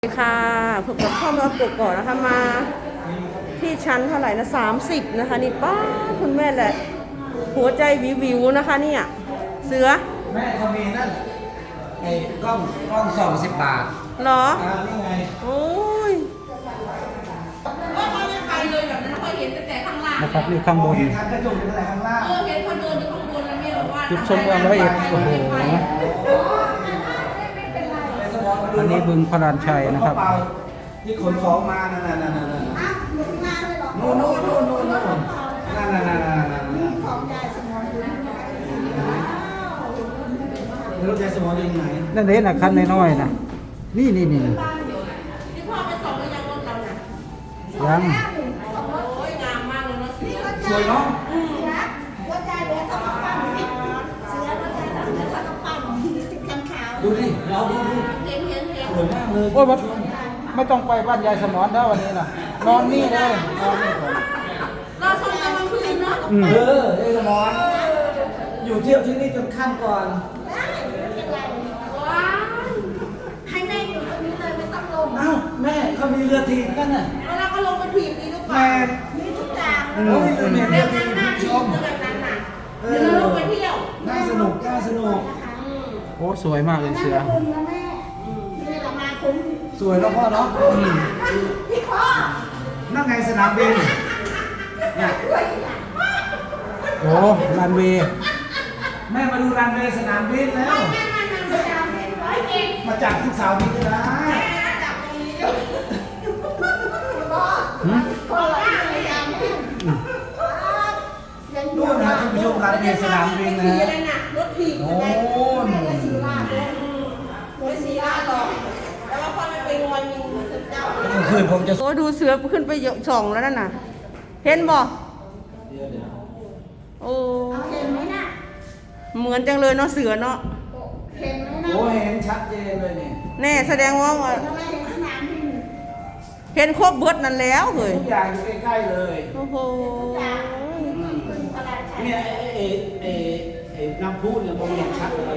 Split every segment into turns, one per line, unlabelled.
สวัสดีค่ะพบกับข้าวรถกก่อนนะคะมาที่ชั้นเท่าไหร่นะ30นะคะนี่ป้าคุณแม่แหละหัวใจวิวนะคะเนี่ยเสือ
แม่เขามีนั่นไอ้กล้อง20 บาท
เหรอ
นี่ไง
โอ้ยว่าเขาจะไปเลยแบบนั้นเขาเห็นแต่ข้างล่าง
นะครับนี่ข้างบน
เห็นทางกระจกอะไรข้างล่าง
เห็นคนเดินอยู่ข้างบนแล้วแม่บอกว่า
จุดชมเมืองร้อยเอ็ดโอ้โหอันนี้บึงพลานชัยนะครับ
ที่ขนของมานั่นนู่นนั่น
ของยายสมรอยู่
รถยายสมรอยู่ไหน
นั่นเองนะคันน้อยๆนะนี่
ที่พ่อไปส่งแล้วยังรถเราน่ะ
ยัง
โอ้ยงามมากเลยเนาะ
สวยเนาะ
รถยายเหลือ2 กระปั้นเสือรถยายเหลือ2 กระปั้นติดกันขาว
ดูดิเราดู
เห็น
สวยมากเลย
โอ้ยไม่ต้องไปบ้านยายสมรแล้ววันนี้นะนอนนี่เลยนอนนี่ก่อน
เราชมกันกลางคืนเนาะ
ยายสมรอยู่เที่ยวที่นี่จนค่ำก่อน
ได้ไม่เป็นไร
ว้าว
ให้แม่อยู่ตรงนี้เลยไม่ต้องลง
อ้าวแม่เขามีเรือถีบกันน่ะ
แล้วเราก็ลงไปถีบนี่หรือเปล่า
แม่
มีทุกอย่าง
โอ้ยเรือ
แบบ
ถีบ
นั้นน่า
ช
ถีบ
ม
แบบนั้นน่ะเดี๋ยวเราลงไปเที่ยว
น่าสนุก
โอ้สวยมากเลยเสือ
นั่งคุณนะแม่นี่ละมาคุ้ม
สวยแล้วพ่อเนาะ
พี่พ่อ
นั่งไงสนามบิน
โอ้รันเวย์
แม่มาดูรันเวย์สนามบินแล้วมาจากทุกสาวนี้ก็ได้นู่นนะคุณผู้ชมรันเวย์สนามบินนะ
รถถีบ
โอ้
ยไม่สีลาหรอกแต่ว่าพ่อไม่ไปงอนยิงเจ้า
คืนผมจะ
โอ้ดูเสือขึ้นไปส่องแล้วนั่นน่ะเห็นบ่โอ้
เห็นไหมน่ะ
เหมือนจังเลยเนาะเสือเนาะ
เห็นไหมน่ะ
โอ้เห็นชัดเจนเลยเนี่ย
แน่แสดงว่า
ทำไมเห็นสนามบิน
เห็นครบเบิดนั่นแล้วเฮ้ย
ทุกอย่างอยู่ใกล้ๆเลย
โอ้โห
เนี่ยไอ้น้ำพุเนี่ยมองเห็นชัดเลย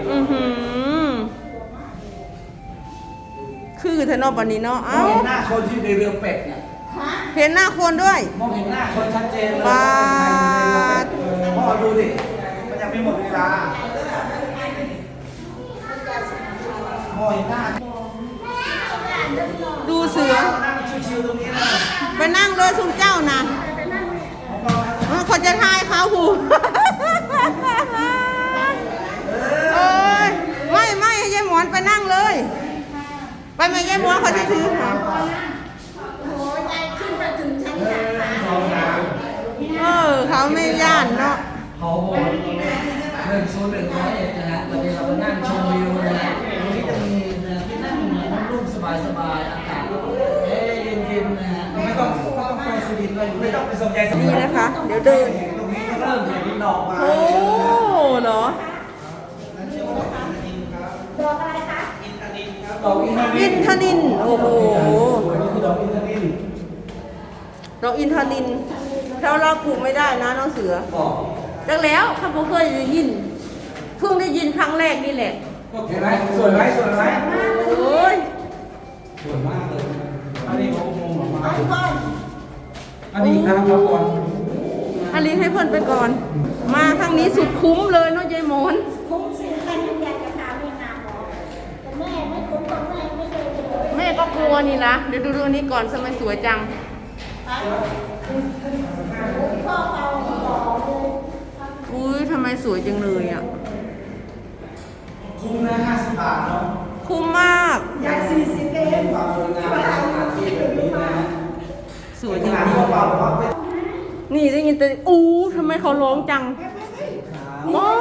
คือเธอนอกวันนี้เนาะ
มองเห็นหน้าคนที่ในเรือเป็ดเนี่ย
เห็นหน้าคนด้วย
มองเห็นหน้าคนชัดเจนเลย
ว้า
พ่อดูดิมันยังไม่หมดเวลาพ่อเห็นหน้า
ดูเสือ
นั่งชิวๆตรงนี้นะ
ไปนั่งเลยสุนเจ้านะเขาจะทายเขาหูเอ้ยไม่ให้ยายหมอนไปนั่งเลยไปไหมยายหมอนเขาจะถือค่ะ
โอ้ยยายขึ้นไปถึงชั้น
เขาไม่ย่านเนาะ
เขาบอก10101นะฮะตอนนี้เราก็นั่งชมวิวนะฮะตรงนี้จะมีที่นั่งร่มสบายๆอากาศเย็นๆนะฮะไม่ต้องไปสุรินทร์เลยไม่ต้องไปสนใจ
นี่นะคะเดี๋ยวเดิน
ตรงนี้ก็เริ่มเห็นดอกไม้
โอ้เหรอ
ดอกอะไรคะ
ดอก
อินทนินโอ้โห
นี่คือดอกอินทนิน
ดอกอินทนินเราปลูกไม่ได้นะน้องเสือจังแล้วข้าพเจ้าเคยได้ยินเพิ่งได้ยินครั้งแรกนี่แหละ
เห็นไหมสวยไหม
โอ้ย
สวยมากเลยอันนี้เขาโมงออกมา
อันนี้ทางเขาก่อน
อันนี้ให้เพื่อนไปก่อนมาทางนี้สุดคุ้มเลยเนาะยายหมอน
คุ้มสิใครอยากจะถามเองนะหมอแต่แม่ไม่คุ้มตรงแม่ไม่เคยเลย
แม่ก็กลัวนี่ละเดี๋ยวดูอันนี้ก่อนทำไมสวยจัง
พ่อเอาหมอเลย
อุ้ยทำไมสวยจังเลยอ่ะ
คุ้มนะ50 บาทเนาะ
คุ้มมาก
ยาย40เอง
ความสวยงามที่แบบนี้นะ
สวยจริงๆนี่ได้ยินแต่ทำไมเขาร้องจังว้าว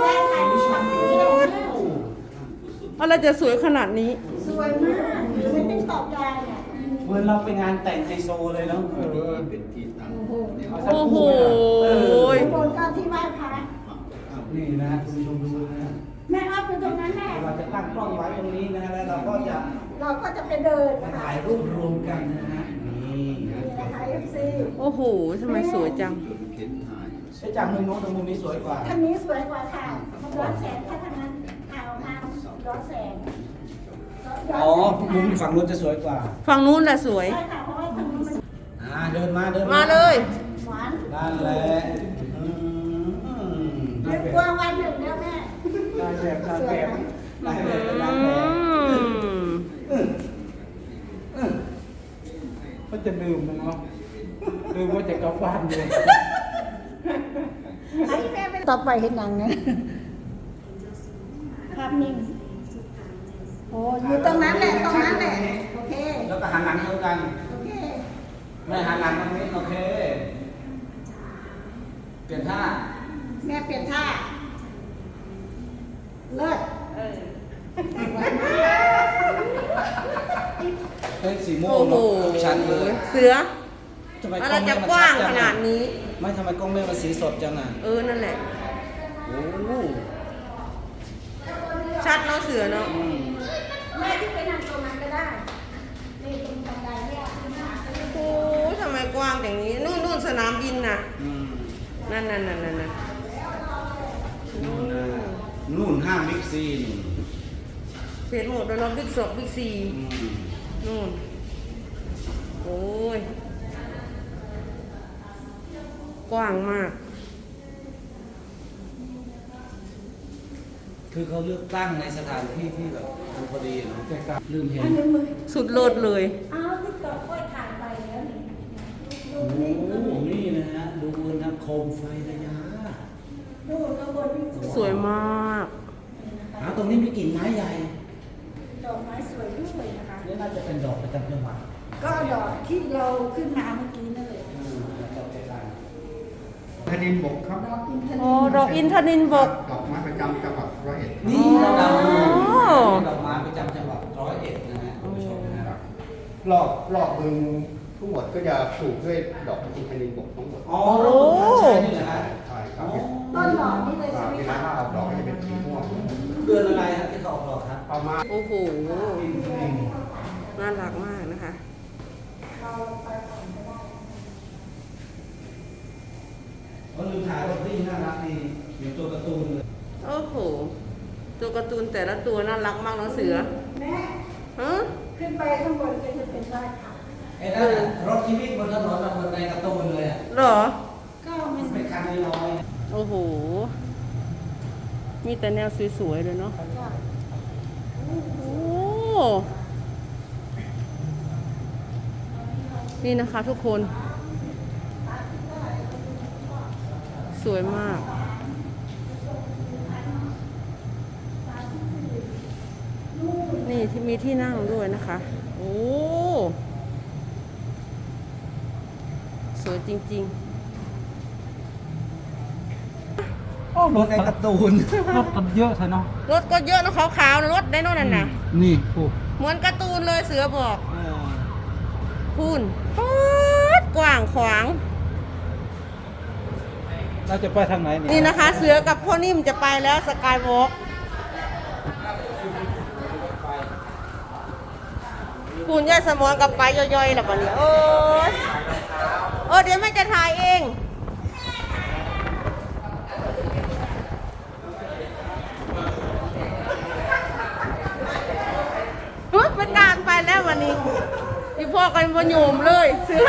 อะไรจะสวยขนาดนี้
สวยมากไม่ต้องตอบใจอ่ะ
เหมือนเราไปงานแต่งไฮโซเลยเนาะ
โอ้โห
บนก็ที่ไหว้พระ
นี่นะคุณผู้ชมดูนะ
แม่อ้อมอยู่ตรงนั้นแม่
เราจะตั้งกล้องไว้ตรงนี้นะแล้วเราก็
จะไปเดิน
ถ่ายรูปรวมกันนะฮะนี่
นะคะ FC
โอ้โหทำไมสวยจัง
จากมุมโน้นตรงมุมนี้สวยกว่า
ท่านนี้สวยกว่าค่ะมันร้อนแสงแค่ทางนั้นเอามาร้อนแสง
อ๋อมุมฝั่งนู้นจะสวยกว่า
ฝั่งนู้นแหละสวย
ใช่ค่ะเพราะว่าทางนี้มัน
เดินมาเดิน
มาเลย
หวาน
นั่นแหละอืม
เดี๋ยวกลัววันหนึ่งแล้วแม่
ได้แบบได้แบบ
ได้เลย
อื
ได้เลย
ม
ก็จะลืมนะเนาะลืมว่าจะกลับบ้านเลย
ไอ้แม่ไม่ต่อไปเห็นหนังนะภาพนิ่งโอ้อยู่ตรงนั้นแหละตรงนั้นแหละโอเค
แล้วก็หันหลังเท่ากัน
โอเค
ไม่หันหลังตรงนี้โอเค เปลี่ยนท่า
แม่เปลี่ยนท่าเลิศ
เป็นสีม่ว
โอ้
ง
โห
เนอะชัดเลย
เสือ
ทำไม
อะไร
ล้อง
จะ
แม่มัน
กว้าง
ชั
ข
จั
นาดนี้
ไม่ทำไมกล้องแม่มันสีสดจังอ่ะ
นั่นแหละ
โอ้โห
ชัดเนาะเสือเนาะ
อืม
แม่ที่ไปนั่งตรงนั้นก็ได้นี่ตรงบันไดเนี่ยขึ้นมา
โอ้ทำไมกว้างอย่างนี้ นู่นสนามบินน่ะ
อืม
นั่น
นู่นนะนู่นห้างบิ๊กซีนู่น
เพจหมดแล้วเนาะบิ๊กสอบบิ๊กซี
อืม
นู่น โอ้ย กว้างมาก
คือเขาเลือกตั้งในสถานที่ที่แบบมันพอดีเนาะลืมเห็น
อันนี้มือ
สุดโลดเลย
อ้าวที่ต่อค่อยถ่ายไปแล้วนี่ดู
โอ้
นี่
โหนี่นะฮะดูนะโคมไฟระยะ
ดูข้างบนนี่
สวยมาก
ตรงนี้มีกิ่งไม้ใหญ่
ดอกไม้สวยด้วยนะคะ
นี่น่าจะเป็นดอกประจำจังหวัด
ก็ดอกที่เราขึ้นมาเมื่อกี้นั่นเลย
ดอกใหญ่
แผ่นดินบกครับ
ดอกอินทนิล
อ๋อ ดอกอินทนินบก
ดอกไม้ประจำจังหวัดร้อยเอ็ด
ๆนี่เราดาว
อ๋อ
ดอกไม้ประจำจังหวัด101นะฮะคุณผู้ชมนะครับ
รอบบึงทั้งหมดก็จะปลูกด้วยดอกอินทนินบกทั้งหมด
อ๋อรถคุณท่านใช้นี่แหละฮะ
ใช่ครับ
ต้นดอกนี่เลยใช่ไหม
เวลา
คะ
ออกดอกก็จะเป็นสีม่วง
เดือนอะไรฮะที่เขาออกดอกครับ
ประมาณ
โอ้โห น่ารักมากนะคะ
ก็ลืมถ่ายรถที่น่ารักดีเหมือนตัวการ์ตูนเลย
โอ้โห ตัวการ์ตูนแต่ละตัวน่ารักมากเนาะเสือ
แม่
ฮะ
ขึ้นไปข้างบนก็จะเป็นบ้านค่ะ
ไอ้นั่นน่ะรถที่วิ่งบนถนนน่ะเหมือนในการ์ตูนเลยอ่ะ
เหรอ
ก็มัน
เป็นคันน้อย
โอ้โห มีแต่แนวสวยๆเลยเนาะ โอ้โห นี่นะคะทุกคน สวยมาก นี่ที่มีที่นั่งด้วยนะคะ โอ้ สวยจริง
โอ้รถ
ๆในการ์ตูน
รถกันเยอะเถอะเนาะ
ๆ รถก็เยอะนะขาวๆนะรถได้โน่นน่ะนะ
นี่โอ้
เหมือนการ์ตูนเลยเสือบอกพูนป๊าดกว้างขวาง
เราจะไปทางไหนเนี่ย
นี่นะคะ เสือกับพ่อนิ่มจะไปแล้วสกายวอล์กคุณย่าสมอนกับไปย่อยๆแล้วปะเนี่ยโอ้ยเดี๋ยวแม่จะถ่ายเองเป็นการไปแล้ววันนี้พี่พ่อกันบนโยมเลยเสือ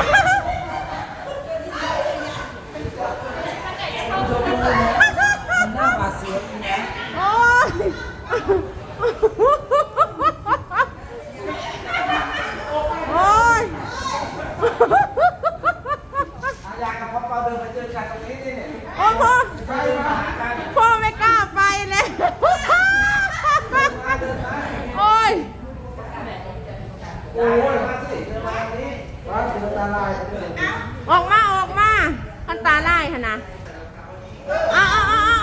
มันหน้าบาดเสียวอยู่นะ
โอ้ย โอ้ย
อยากกับพ่อเปาเดินไปเจอกันตรงนี้นี่เนี่ย
โอ้พ่อ
ไปมาหากัน
พ่อไม่กล้าไปเลย โอ้ย
โอ้ยมาสิเดินมาตรงนี้มาเดินตาลายเดิน
ออกมาขันตาไล่ค่ะนะอ้าว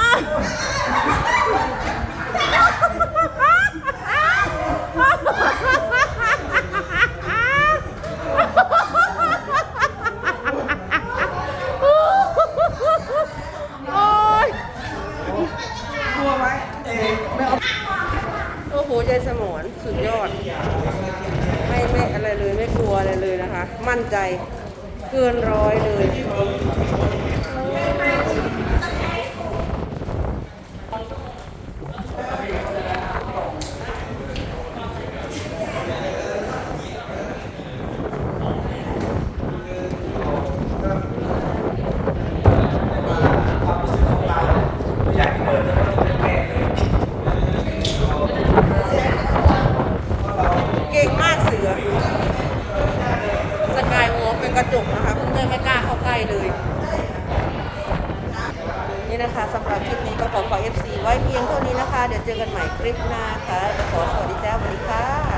โอ้ย
กลัวไหมไม่เอา
โอ้โหยายสมรสุดยอด ไม่อะไรเลยไม่กลัวอะไรเลยนะคะ มั่นใจเกินร้อยเลยสกายวอล์กเป็นกระจกนะคะเพื่อนๆไม่กล้าเข้าใกล้เลย นี่นะคะสำหรับคลิปนี้ก็ขอฝาก FC ไว้เพียงเท่านี้นะคะ เดี๋ยวเจอกันใหม่คลิปหน้าค่ะขอสวัสดีจ้าสวัสดีค่ะ